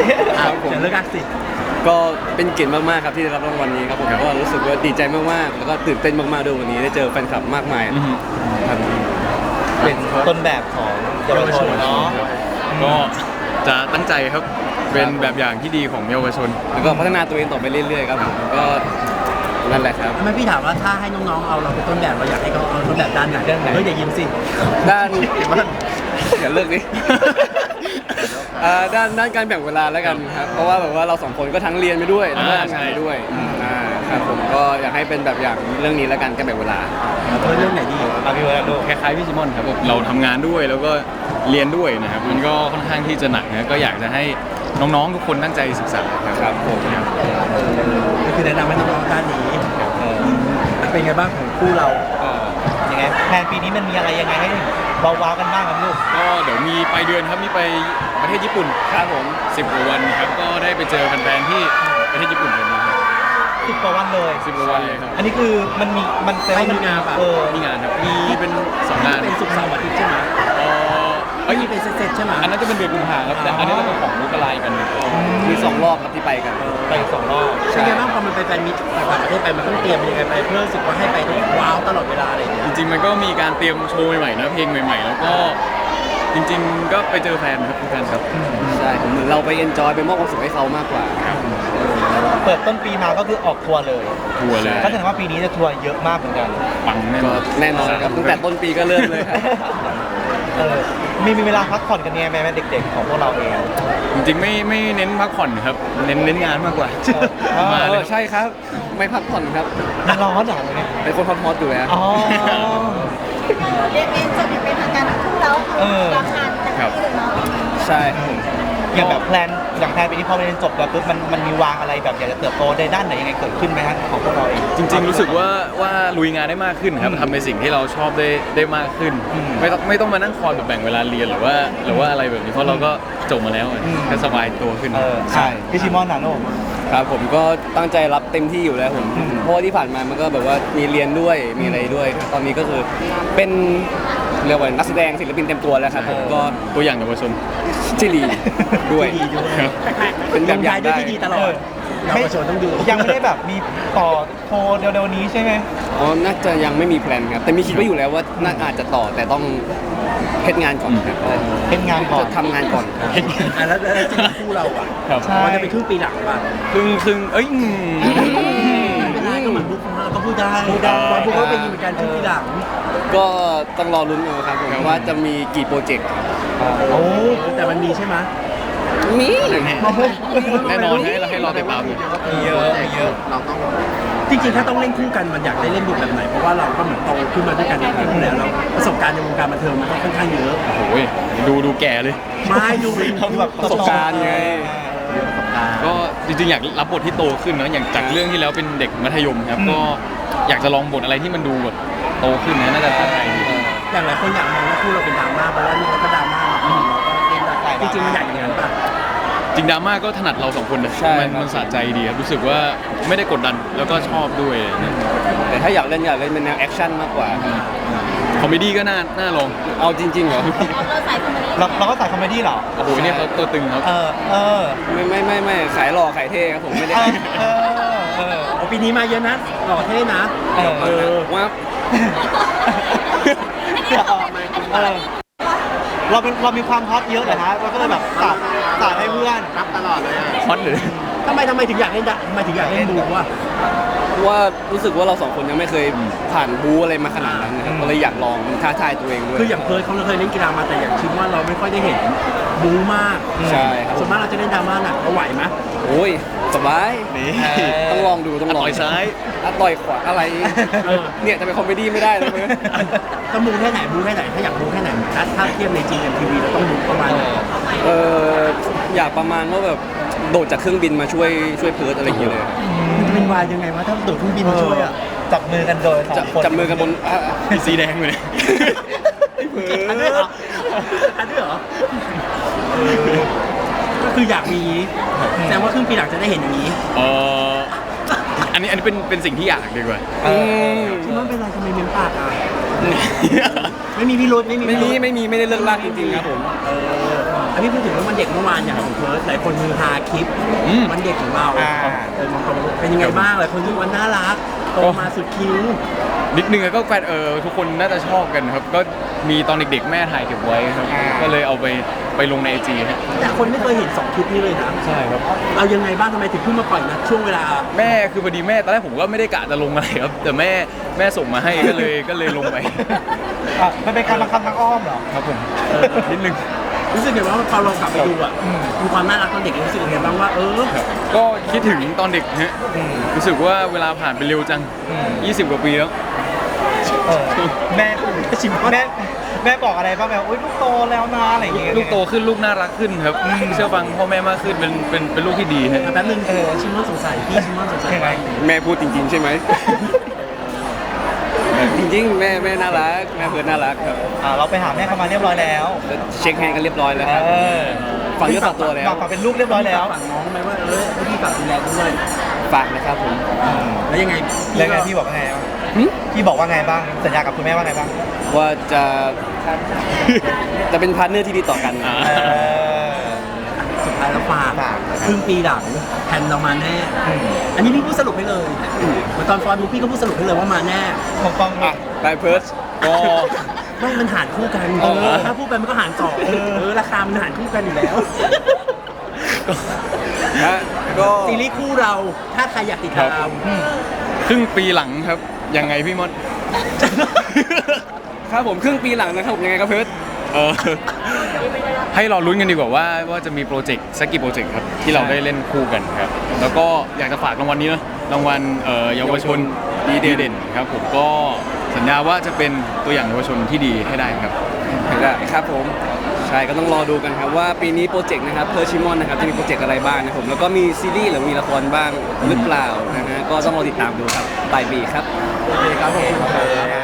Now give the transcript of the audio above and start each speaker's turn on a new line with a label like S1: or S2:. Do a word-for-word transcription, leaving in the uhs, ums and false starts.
S1: ครับผมเลิกอักสิก็เป็นเกียรติมากๆครับที่ได้รับรางวัลนี้ครับผมก็รู้สึกว่าดีใจมากๆแล้วก็ตื่นเต้นมากๆด้วยวันนี้ได้เจอแฟนคลับมากมายครับ
S2: เป็นต้นแบบของเยาวชนเนาะ
S3: ก็จะตั้งใจครับเป็นแบบอย่างที่ดีของเยาวชน
S1: แล้วก็พัฒนาตัวเองต่อไปเรื่อยๆครับผมก็นั่นแหละครับ
S4: ไม่พี่ถามว่าถ้าให้น้องๆเอาเราเป็นต้นแบบเราอยากให้เขาเอาต้นแบบด้านไหนเฮ้ยอย่ายิ้มสิ
S1: ด้านอย่าเลิกดิด้านด้านการแบ่งเวลาแล้วกันครับเพราะว่าแบบว่าเราสองคนก็ทั้งเรียนไปด้วยแล้วก็ทำงานไปด้วยครับผมก็อยากให้เป็นแบบอย่างเรื่องนี้แล้วกันการแบ่งเวลา
S4: เรื่องไหนดี
S2: อาพี่เวลาดู
S3: คล้ายๆพี่ซิมอนครับเราทำงานด้วยแล้วก็เรียนด้วยนะครับมันก็ค่อนข้างที่จะหนักนะก็อยากจะให้น้องๆทุกคนตั้งใจศึกษา
S1: ครับผม
S4: ก็คือแนะนำให้น้องๆด้านนี้เป็นไงบ้างของคู่เรา
S2: ยังไงแผนปีนี้มันมีอะไรยังไงให้ว้าวๆกันบ้างครับลูก
S3: ก็เดี๋ยวมีไปเดือนครับมีไปประเทศญี่ปุ่น
S1: ครับผม
S3: สิบกว่าวันครับก็ได้ไปเจอแฟนๆที่ประเทศญี่ปุ่นกันนะครับ
S2: สิบกว่าวันเลย
S3: สิบกว่าวันเลยครับ
S2: อันนี้คือมันมีมัน
S4: ไม่มีงานป่ะ
S3: เออมีงานครับมีเป็นสองงาน
S4: เป็นศุกร์เสาร์อาทิตย์ใช่ไหม
S3: เอ้ย
S4: เป็นเซตๆใช่ไหม
S3: อันนั้นจะเป็นเดือนกุมภาครับแต่อันนี้จะเป็นของมุกลายกัน
S1: มีสองรอบครับที่ไปกัน
S2: ไปสองรอบ
S4: ใช่ไหมบ้างพอมันไปแฟนมิตรต่างประเทศไปมันต้องเตรียมยังไงไปเพื่อรู้สึกว่าให้ไปต้องว้าวตลอดเวลาอะไรอย่างเงี้ย
S3: จริงๆมันก็มีการเตรียมโชว์ใหม่ๆนะเพลงใหม่ๆแล้วก็จริงๆก็ไปเจอแฟนครับแฟนครับ
S1: ใช่เหมือนเราไปเอนจอยไปมอบความสุขให้เขามากกว่า
S2: เปิดต้นปีมาก็คือออกทัวร์เลย
S3: ทัวร์เลย
S2: ก็แสดงว่าปีนี้จะทัวร์เยอะมากเหมือนกัน
S3: ปังแน่นอน
S1: แน่นอนครับตั้งแต่ต้นปีก็เริ่มเลยครับ
S2: มีมีเวลาพักผ่อนกันยังไงไหมเด็กๆของพวกเราเอง
S3: จริงๆไม่ไม่เน้นพักผ่อนครับเน้นเน้นงานมากกว่า
S1: มาเลยใช่ครับไม่พักผ่อนครับ
S2: มันร้อนเหรอเนี่ย
S1: เป็นคนฮอตๆอยู่แล้ว
S2: อ๋อ
S5: เรียนเองจบอย่างเป็นทางการทั้งคู่แล้วรับงานเต็มที่เลยเนาะ
S1: ใช่
S2: อย่างแบบแพลนอย่างแพลนปีนี้พอเรียนจบแล้วปุ๊บมันมันมีวางอะไรแบบอยากจะเติบโตในด้านไหนยังไงเกิดขึ้นไหมครับของพวกเราเอง
S3: จริงๆรู้สึกว่าว่าลุยงานได้มากขึ้นครับทำในสิ่งที่เราชอบได้ได้มากขึ้นไม่ต้องไม่ต้องมานั่งคอยแบบแบ่งเวลาเรียนหรือว่าหรือว่าอะไรแบบนี้เพราะเราก็จบมาแล้วก็สบายตัวขึ้น
S2: ใช่พี่ชิมอนนะโน่
S1: ครับผมก็ตั้งใจรับเต็มที่อยู่แล้วผมเพราะว่าที่ผ่านมามันก็แบบว่ามีเรียนด้วยมีอะไรด้วยตอนนี้ก็คือเป็นเรียกว่านักแสดงศิลปินเต็มตัวแล้วครับผมก็
S3: ตัวอย่างเยาวชน
S1: จิรีด้วยเป็นแบบอย่างได้
S4: ที่ดีตลอดเยาวชนต้องดู
S2: ยังไม่ได้แบบมีต่อโทรเร็วๆนี้ใช่ไหม
S1: อ๋อน่าจะยังไม่มีแพลนครับแต่มีคิดไว้อยู่แล้วว่าน่าอาจจะต่อแต่ต้องเฮ็ดงานก่อนครับ
S2: เฮ็ดงานก่อน
S1: ทำงานก่อน
S4: แล้วแล้วจริงคู่เราอ่ะมันจะเป็นครึ่งปีหลังป่ะ
S3: ครึ่งครึ่งเอ้ย
S4: ก็เหมือนบุ๊กของเราก็พูดได้พูดได้บุ๊กก็เป็นเหมือนกันครึ่งปีหลัง
S1: ก็ต้องรอลุ้นกันครับผมว่าจะมีกี่โปรเจกต์
S4: โอ้แต่มันมีใช่ไหม
S1: มี
S3: แน่นอนให้เราให้รอติดตาม
S2: มีเยอะเยอะ
S4: เราต้องจริงๆถ้าต้องเล่นคู่กันมันอยากได้เล่นบทแบบไหนเพราะว่าเราก็เหมือนโตขึ้นมาด้วยกันในคู่แล้วเราประสบการณ์ในวงการบันเทิงมันก็ค่อนข้างเยอะ
S3: โอ้ยดูดูแก่เลย
S4: ไม่ดูเป็น
S1: แบบประสบการณ์ไง
S3: ก็จริงๆอยากรับบทที่โตขึ้นเนาะอย่างจากเรื่องที่แล้วเป็นเด็กมัธยมครับก็อยากจะลองบทอะไรที่มันดูแบบโตขึ้นนะน่าจะท้าทายดี
S4: อย่างหลายคนอยากมองว่าคู่เราเป็นดราม่าเพราะว่านี่เราก็ดราม่าจริงๆมันอยากอย่างนั้นป่ะ
S3: จริงดราม่าก็ถนัดเราสองคนนะมันมันสะใจดีครับรู้สึกว่าไม่ได้กดดันแล้วก็ชอบด้วย
S1: แต่ถ้าอยากเล่นอยากเล่นเป็นแนวแอคชั่นมากกว่า
S3: คอมเมดี้ก็น่าน่าลอง
S1: เอาจริงๆเหรอ
S5: เราใส่คอมเมดี้
S2: เราเราก็ใส่คอมเมดี้เหรอ
S3: โอ้โหเนี่ยเขาตัวตึงครับ
S2: เออเออ
S1: ไม่ไม่ไม่ไม่ขายหล่อขายเท่ครับผมไม่ได้
S4: เออเออปีนี้มาเยอะนะหล่อเท่นะ
S1: เออว่า
S2: เออเราเป็นเรามีความฮอตเยอะเลยฮะเราก็เลยแบบสาดสาดให้เพื่อน
S4: รับตลอดเลย
S3: ฮอตเลย
S4: ทำไมทำไมถึงอยากเล่นทำไมถึงอยากเล่นบูว่า
S1: ว่ารู้สึกว่าเราสองคนยังไม่เคยผ่านบูอะไรมาขนาดนั้นนะครับก็เลยอยากลองท้าทายตัวเองด้วย
S4: คืออย่างเคยเขาเคยเล่นกีฬามาแต่อย่างชิมว่าเราไม่ค่อยได้เห็นบูมาก
S1: ใช่
S4: ส่วนมากเราจะเล่นดราม่าหนักเราไหวไหม
S1: โอ้ยสบายต้องลองดูต้องลอง
S3: ต่อยซ้าย
S1: ต่อยขวาอะไรเนี่ยจะเป็นคอมเมดี้ไม่ได้เลยมั้ย
S4: ต้องบูแค่ไหนบูแค่ไหนถ้าอยากบูแค่ไหนถ้าถ้าเทียบในจีเอ็มทีวีเราต้องบูประมาณไหน
S1: เอออยากประมาณว่าแบบโดดจากเครื่องบินมาช่วยช่วยเพิร์ดอะไรอย่างเงี้ยเลย
S4: มันจะเป็นวายยังไงวะถ้าโดดเครื่องบินมาช่วยอ่ะ
S2: จับมือกันโดย
S1: จับมือกันบน
S3: สีแดงเลย
S4: อันนี้เหรออันนี้เหรอก็คืออยากมีแสดงว่าครึ่งปีหลังจะได้เห็นอย่างนี้
S3: เอออันนี้อันนี้เป็นเป็นสิ่งที่อยากดีกว่า
S4: ชิมอนเป็นไรทำไมเม้มปากอ่ะไม่มีพิรุธไม่มี
S1: ไม่มีไม่มีไม่ได้เลิกลากจริงๆครับผม
S4: อันนี้พูดถึงว่ามันเด็กเมื่อวานอย่างของเพิร์ดหลายคนฮือฮาคลิป
S3: อืม
S4: วันเด็กของเรา
S2: อ่า
S4: เออมองตรงเป็นยังไงบ้างหลายคนที่วันน่ารักโตมาสุดคิ้ว
S3: นิดนึงก็แฟนเออทุกคนน่าจะชอบกันครับ ก็มีตอนเด็กๆแม่ถ่ายเก็บไว้ครับ
S2: อ่า
S3: ก็เลยเอาไปไปลงในไอจีครับ
S4: แต่คนไม่เคยเห็นสองคลิปนี้เลยนะ
S3: ใช่ครับ
S4: เอายังไงบ้างทำไมถึงเพิ่งมาปล่อยนะช่วงเวลา
S3: แม่คือพอดีแม่ตอนแรกผมก็ไม่ได้กะจะลงอะไรครับ แต่แม่แม่ส่งมาให้ก็เลยก็เลยลงไป
S2: อ่ะมันเป็นการบังคับทางอ้อมเหรอ
S3: ครับผมนิดนึง
S4: รู้สึกไงว่าพอเรากลับไปดูอ่ะมีความน่ารักตอนเด็กรู้สึกยังไงบ้างว่าเออ
S3: ครับก็คิดถึงตอนเด็กฮะรู้สึกว่าเวลาผ่านไปเร็วจัง
S2: อืม
S3: ยี่สิบกว่าปีแล้ว
S2: เออแม่ชิมแม่แม่บอกอะไรบ้างแบบอุ้ยลูกโตแล้วนะอะไรอย่างเงี้ย
S3: ลูกโตขึ้นลูกน่ารักขึ้นครับเชื่อฟังพ่อแม่มากขึ้นเป็นเป็นเป็นลูกที่ดีฮะ
S4: แป๊บนึงเออชิมอนสงสัยพี่ชิมอนสงสัย
S2: ยังไง
S1: แม่พูดจริง ๆ ใช่ไหม จริงๆแม่แม่น่ารักแม่เพิร์ดน่ารักครับ
S2: อ่าเราไปหาแม่เขามาเรียบร้อยแล้ว
S1: ก็เช็คแฮนด์กันเรียบร้อยแล้วครับ
S2: เออ
S1: ฝังเนื้อฝังตัวแล้ว
S2: ฝากฝากเป็นลูกเรียบร้อยแล้ว
S4: ฝากน้องไหมว่าเออให้พี่ฝากดูแลด้วย
S1: ฝากนะครับผม
S4: แล้วยังไง
S2: แล้วไงพี่บอกว่าไงบ้าง
S1: หึ
S2: พี่บอกว่าไงบ้างสัญญากับคุณแม่ว่าไงบ้าง
S1: ว่าจะ จะเป็นพาร์ทเนอร์ที่ดีต่อกัน
S3: อ่า
S2: เออ
S4: สุดท้ายแล้วฝาก
S2: ฝาก
S4: ครึ่งปีหลังแผ่นเรามาแน่ อันนี้พี่พูดสรุปให้เลยเหมือนตอนฟอนบุ๊กพี่ก็พูดสรุปให้เลยว่ามาแน่
S2: ผมฟัง
S1: อ่ะไปเพิร์ด
S3: ก็
S4: ไม่มันหารคู่กัน
S3: เออ
S4: ถ้าพูดไปมันก็หารสองเออราคามันหารคู่กันอยู่แล้ว
S1: ฮะก็
S4: ซีรีส์คู่เราถ้าใครอยากติดตาม
S3: ครึ่งปีหลังครับยังไงพี่มด
S1: ครับผมครึ่งปีหลังนะครับผมยังไงครับเพิร์ด
S3: เออให้รอลุ้นกันดีกว่าว่าว่าจะมีโปรเจกต์สักกี่โปรเจกต์ครับที่เราได้เล่นคู่กันครับแล้วก็อยากจะฝากรางวัลนี้เนอะรางวัลเอ่อเยาวชนดีเด่นครับผมก็สัญญาว่าจะเป็นตัวอย่างเยาวชนที่ดีให้ได้ครับ
S1: ได้ครับผมใช่ก็ต้องรอดูกันครับว่าปีนี้โปรเจกต์นะครับเพอร์ชิมอนนะครับจะมีโปรเจกต์อะไรบ้างนะครับผมแล้วก็มีซีรีส์หรือมีละครบ้างหรือเปล่านะฮะก็ต้องรอติดตามดูครับปลายปีครับ
S4: โอเคครับผม